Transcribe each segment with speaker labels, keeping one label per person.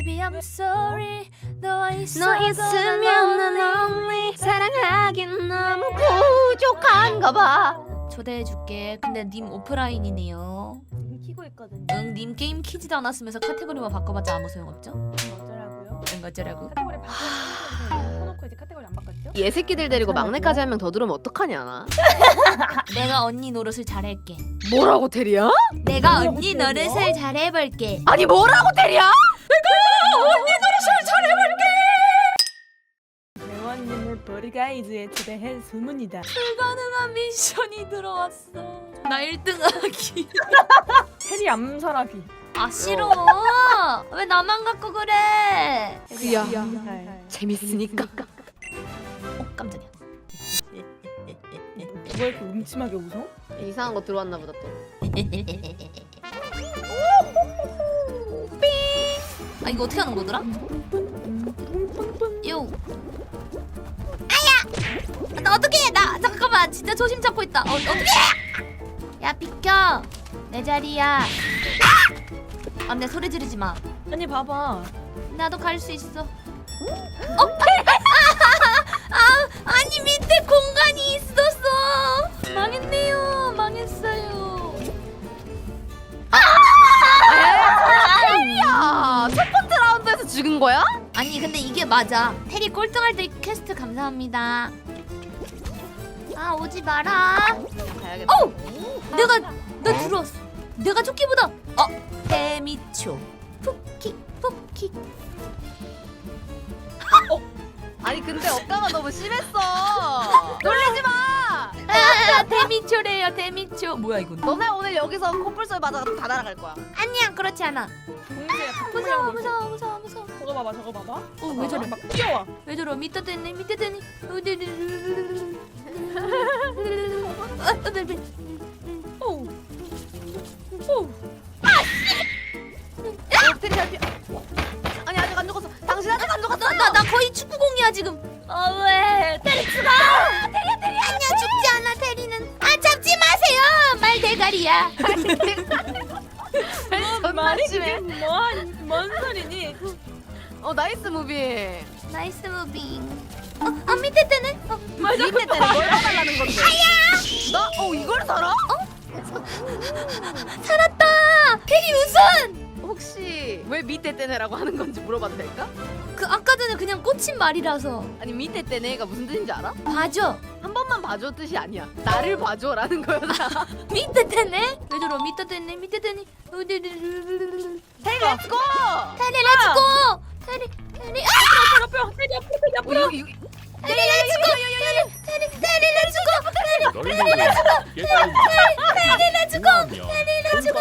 Speaker 1: Baby I'm sorry 너
Speaker 2: 너 있으면 난 only 사랑하긴 너무 부족한가 봐.
Speaker 1: 초대해줄게. 근데 님 오프라인이네요.
Speaker 3: 지금 키고 있거든요.
Speaker 1: 응, 님 게임 키지도 않았으면서 카테고리만 바꿔봤자 아무 소용없죠?
Speaker 3: 어쩌라고요?
Speaker 1: 응, 어쩌라고?
Speaker 3: 카테고리 바꾸면 해놓고 이제 카테고리 안 바꿨죠?
Speaker 2: 얘 새끼들 데리고 막내까지 한 명 더 들어오면 어떡하냐 나.
Speaker 1: 내가 언니 노릇을 잘할게.
Speaker 2: 뭐라고 테리야?
Speaker 1: 내가 언니 노릇을 잘해볼게.
Speaker 2: 아니 뭐라고 테리야?
Speaker 3: 대원님을 버리가이즈에 초대해 소문이다.
Speaker 1: 불가능한 미션이 들어왔어. 나 1등하기.
Speaker 3: 테리 암살하기.
Speaker 1: 아 싫어. 왜 나만 갖고 그래?
Speaker 2: 그야
Speaker 3: 암살.
Speaker 2: 재밌으니까.
Speaker 1: 깜짝이야.
Speaker 3: 왜 이렇게 음침하게 웃어?
Speaker 2: 이상한 거 들어왔나 보다 또.
Speaker 1: 아 이거 어떻게 하는 거더라? 요. 아야. 나 어떻게 해? 나 잠깐만 진짜 조심 잡고 있다. 어떻게 해? 야 비켜. 내 자리야. 안돼 소리 지르지 마.
Speaker 3: 아니 봐봐.
Speaker 1: 나도 갈 수 있어. 아니 밑에 공간이 있었어. 망했네요. 망했어요.
Speaker 2: 테리야 첫 번째 라운드에서 죽은 거야?
Speaker 1: 아니 근데 이게 맞아. 테리 꼴등할 때 퀘스트 감사합니다. 아 오지 마라.
Speaker 2: 가야겠다.
Speaker 1: 내가 나 들어왔어. 내가 조끼보다 데미초 푹킥 푹킥.
Speaker 2: 아니 근데 억가가 너무 심했어. 놀리지 마.
Speaker 1: 데미초래요 데미초. 뭐야 이건?
Speaker 2: 너네 오늘 여기서 코뿔소에 맞아가지고 다 날아갈 거야.
Speaker 1: 아니야 그렇지 않아.
Speaker 3: 동시에
Speaker 1: 무서워 무서워 무서워 무서워.
Speaker 3: 저거 봐봐 저거 봐봐.
Speaker 1: 왜 저래?
Speaker 3: 막 뛰어와.
Speaker 1: 왜 저러? 밑에 됐네 밑에 됐네.
Speaker 3: 오우. 오우.
Speaker 2: 테리 잘 피해. 아니 아직 안 죽었어. 당신 아직 안 죽었어.
Speaker 1: 나 거의 축구공이야 지금. 왜? 테리 죽어. 테리 아니야 죽지 않아 테리는. 아 잡지 마세요. 말 대가리야.
Speaker 3: 말이
Speaker 2: 심해.
Speaker 3: 그게 뭔 소리니?
Speaker 2: 나이스 무비.
Speaker 1: 나이스 무빙. 밑에 뜨네.
Speaker 2: 밑에 때는 뭘 해달라는 건데? 나 이걸 살아?
Speaker 1: 살았다. 테리 우승.
Speaker 2: 혹시 왜 밑에 때네라고 하는 건지 물어봐도 될까?
Speaker 1: 그 아까 전에 그냥 꽂힌 말이라서.
Speaker 2: 아니 밑에 때네가 무슨 뜻인지 알아?
Speaker 1: 봐줘.
Speaker 2: 한 번만 봐줘 뜻이 아니야. 나를 봐줘라는 거였나?
Speaker 1: 밑에 뜨네. 왜 저러? 밑에 뜨네 밑에 뜨네.
Speaker 2: 테리 렛츠고!
Speaker 1: 테리 렛츠고. 테리
Speaker 3: 옆에 테리 앞으로
Speaker 2: 여기
Speaker 1: 테리 렛츠고. 테리 렛츠고.
Speaker 4: 테리 렛츠고! 테리 렛츠고!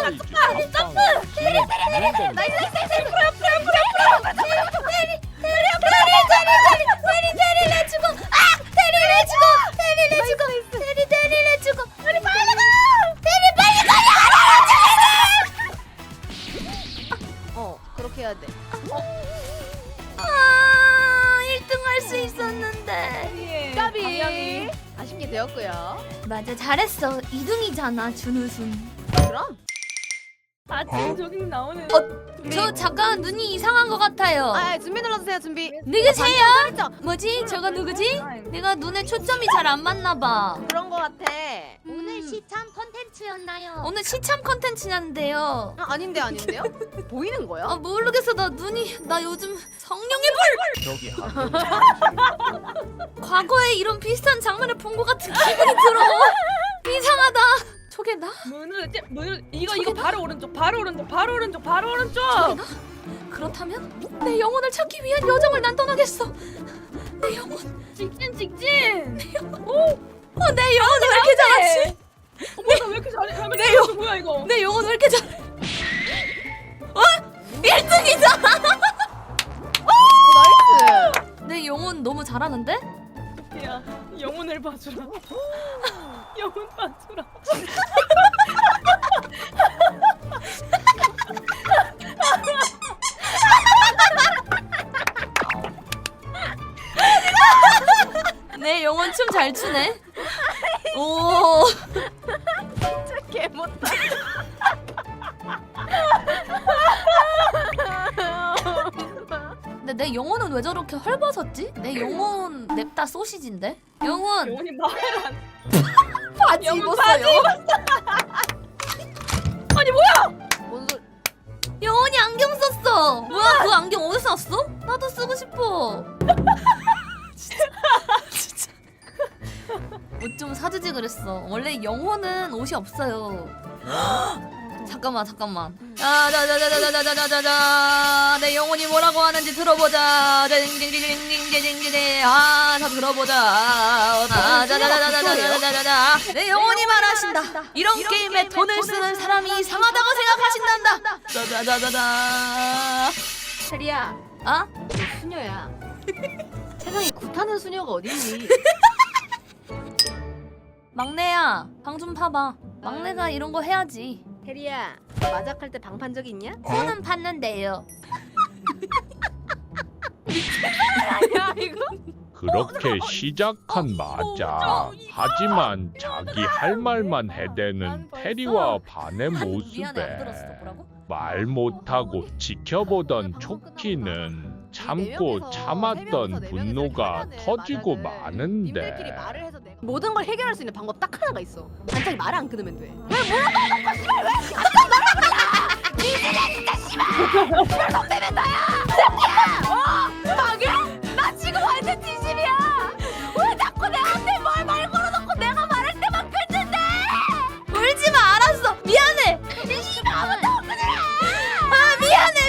Speaker 2: 그렇게 해야 돼.
Speaker 1: 1등 할 수 있었는데.
Speaker 2: 까비. 아쉽게 되었고요.
Speaker 1: 맞아 잘했어. 2등이잖아 준우승.
Speaker 2: 그럼?
Speaker 3: 지금 저기 나오는.
Speaker 1: 저 잠깐 눈이 이상한 것 같아요.
Speaker 2: 준비 눌러주세요. 준비.
Speaker 1: 누구세요?
Speaker 2: 그렇죠.
Speaker 1: 뭐지? 저거 누구지? 내가 눈에 초점이 잘 안 맞나 봐.
Speaker 2: 그런 거 같아.
Speaker 1: 오늘 시참 컨텐츠였나요? 오늘 시참 컨텐츠였는데요.
Speaker 2: 아닌데요? 보이는 거야?
Speaker 1: 모르겠어. 나 요즘 성령의
Speaker 4: 저기
Speaker 1: 과거에 이런 비슷한 장면을 본 것 같은 기분이 들어. 이상하다. 저게 나?
Speaker 3: 문을 이거 바로 오른쪽 바로 오른쪽
Speaker 1: 저게 나? 그렇다면 내 영혼을 찾기 위한 여정을 난 떠나겠어. 내 영혼.
Speaker 3: 직진.
Speaker 1: 내 영혼이 왜 이렇게 잘하지?
Speaker 3: 나왜 이렇게 잘해?
Speaker 1: 내 영-
Speaker 3: 뭐야 이거?
Speaker 1: 내 영혼 왜 이렇게 잘해? 1등이잖아.
Speaker 2: 나이스.
Speaker 1: 내 영혼 너무 잘하는데?
Speaker 3: 야 영혼을 봐주라. 영혼 봐주라.
Speaker 1: 내 영혼 춤 잘 추네. 오.
Speaker 2: 진짜 개 못다.
Speaker 1: 근데 내 영혼은 왜 저렇게 헐벗었지? 내 영혼 냅다 소시지인데? 영혼
Speaker 3: 영혼이 말을 안.
Speaker 1: 바지
Speaker 3: 영혼
Speaker 1: 입었어요.
Speaker 3: 아니 뭐야?
Speaker 2: 뭔 소리?
Speaker 1: 영혼이 안경 썼어. 뭐야 그 안경 어디서 샀어? 나도 쓰고 싶어. 진짜. 옷 좀 사주지 그랬어. 원래 영혼은 옷이 없어요. 잠깐만. 자자자자자자자자자 내 영혼이 뭐라고 하는지 들어보자. 징징징징징징징 다 들어보자. 자자자자자자자자자 내 영혼이 말하신다. 이런 게임에 돈을 쓰는 사람이 이상하다고 생각하신단다. 자자자자자.
Speaker 2: 테리야,
Speaker 1: 아?
Speaker 2: 너 수녀야. 세상에 굿하는 수녀가 어딨니?
Speaker 1: 막내야 방 좀 파봐. 막내가 이런 거 해야지.
Speaker 2: 테리야, 마작할 때 방 판 적 있냐?
Speaker 1: 손은 팠는데요.
Speaker 2: 아니야 이거?
Speaker 5: 그렇게 시작한 마자. 하지만 자기 할 말만 해대는 테리와 반의
Speaker 1: 미안해 안 들었어.
Speaker 5: 모습에
Speaker 1: 뭐라고?
Speaker 5: 말 못하고 지켜보던 초키는 참고 참았던 분노가 터지고
Speaker 2: 님들끼리
Speaker 5: 마는데
Speaker 2: 말을 해서 내가 모든 걸 해결할 수 있는 방법 딱 하나가 있어. 반짝이 말을 안 끊으면 돼. 왜 물어봐놓고 씨발 왜? 아까 말아보라! 니들아 진짜 씨발! 씨발 손대면 나야! 새끼야! 막해? 나 지금 완전 진심이야! 왜 자꾸 내한테 말 걸어놓고 내가 말할 때만 끊는데!
Speaker 1: 울지 마. 알았어. 미안해.
Speaker 2: 씨발 아무도 끊으라!
Speaker 1: 아 미안해.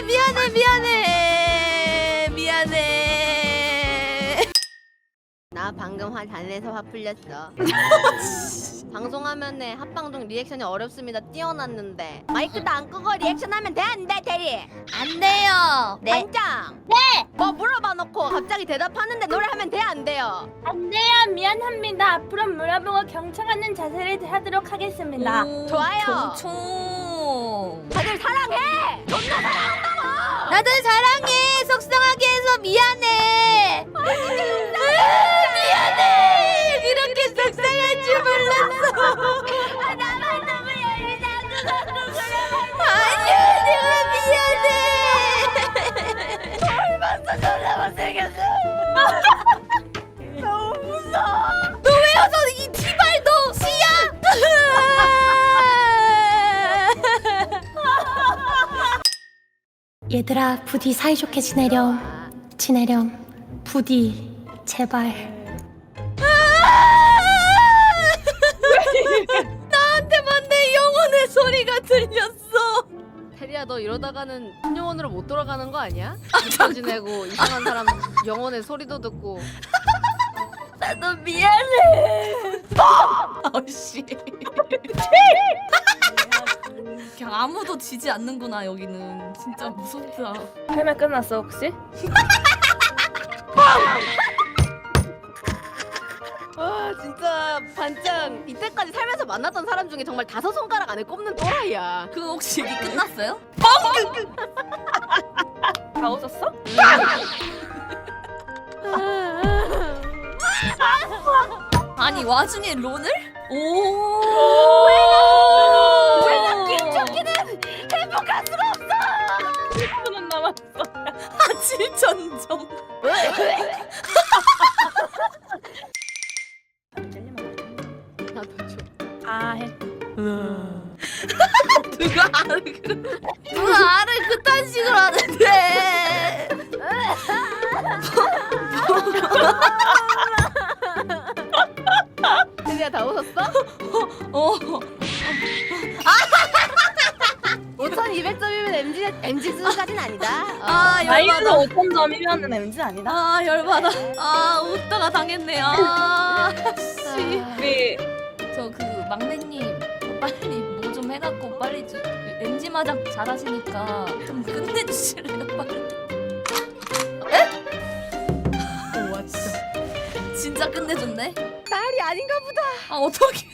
Speaker 2: 나 방금 화 잘내서 화 풀렸어. 방송하면은 합방송 리액션이 어렵습니다. 띄워놨는데 마이크도 안 끄고 리액션하면 돼 안 돼 대리?
Speaker 1: 안 돼요. 네.
Speaker 2: 반장. 네. 뭐 물어봐놓고 갑자기 대답하는데 노래하면 돼 안 돼요?
Speaker 3: 안 돼요. 미안합니다. 앞으로 물어보고 경청하는 자세를 하도록 하겠습니다.
Speaker 1: 오,
Speaker 2: 좋아요.
Speaker 1: 경총.
Speaker 2: 다들 사랑해. 존나 사랑한다고.
Speaker 1: 나도 사랑해. 속상하게 해서 미안해. 미안해. 이렇게 속상할 줄 몰랐어.
Speaker 2: 나만 너무 열리다고 그래.
Speaker 1: 아니야, 내가 미안해.
Speaker 2: 얼마나 존나 못생겼어. 너무 무서워.
Speaker 1: 너 왜 와서 이 티발 너 씨야?
Speaker 6: 얘들아 부디 사이좋게 지내렴 부디 제발.
Speaker 1: 나한테만 내 영혼의 소리가 들렸어.
Speaker 2: 테리야 너 이러다가는 신영원으로 못 돌아가는 거 아니야? 잘 지내고 이상한 사람 영혼의 소리도 듣고.
Speaker 1: 나도 미안해. 아씨. 그냥 아무도 지지 않는구나 여기는. 진짜 무섭다.
Speaker 3: 할 말 끝났어 혹시?
Speaker 2: 아 진짜 반장 이때까지 살면서 만났던 사람 중에 정말 5손가락 안에 꼽는 또라이야.
Speaker 1: 그 혹시 얘기 끝났어요?
Speaker 3: 다 웃었어?
Speaker 1: 아니 와중에 론을? 오.
Speaker 2: 왜나 김초키는 행복할 수가 없어.
Speaker 3: 1분은 남았어.
Speaker 1: 아 7천 점.
Speaker 2: 나도 줘.
Speaker 3: 아 해.
Speaker 1: 누가 알을 그딴 식으로 하는데.
Speaker 2: 테리야 다 웃었어?
Speaker 1: 어.
Speaker 2: 5,200점이면 MG 수준까지는 아니다.
Speaker 1: 아
Speaker 3: 나이도
Speaker 1: 열받아.
Speaker 3: 5,000점이면 MZ 아니다.
Speaker 1: 아 열받아. 아 웃다가 당했네. 아 씨.
Speaker 3: 우리
Speaker 1: 저 그 막내님 빨리 뭐 좀 해갖고 빨리 좀 MG 마작 잘하시니까 좀 끝내주실래요 빨리? 에? 와 진짜 진짜 끝내줬네.
Speaker 2: 딸이 아닌가 보다.
Speaker 1: 아 어떻게?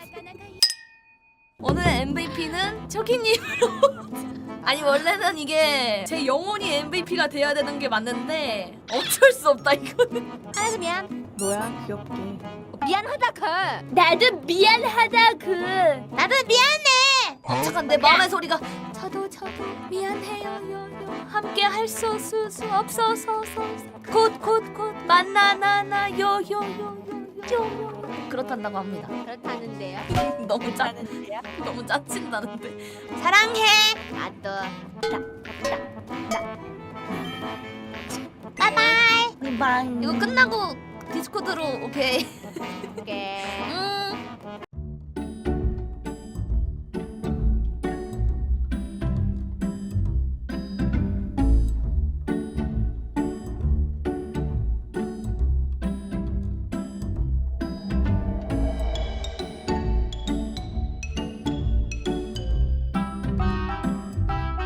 Speaker 1: 오늘 MVP는 초키님으로. 아니 원래는 이게 제 영혼이 MVP가 돼야 되는 게 맞는데 어쩔 수 없다 이거는.
Speaker 2: 하나도 미안.
Speaker 3: 뭐야 귀엽게.
Speaker 2: 미안하다 그.
Speaker 3: 나도 미안하다 그.
Speaker 1: 나도 미안해. 잠깐 내 마음의 소리가 저도 미안해요 요요 함께 할 수 없어서 곧 만나나 요요요요 그렇단다고 합니다.
Speaker 2: 그렇다는데요.
Speaker 1: 너무 짜친다는데.
Speaker 2: 사랑해. 나도. 바이바이.
Speaker 3: 빵.
Speaker 1: 이거 끝나고 디스코드로 오케이.
Speaker 2: 오케이.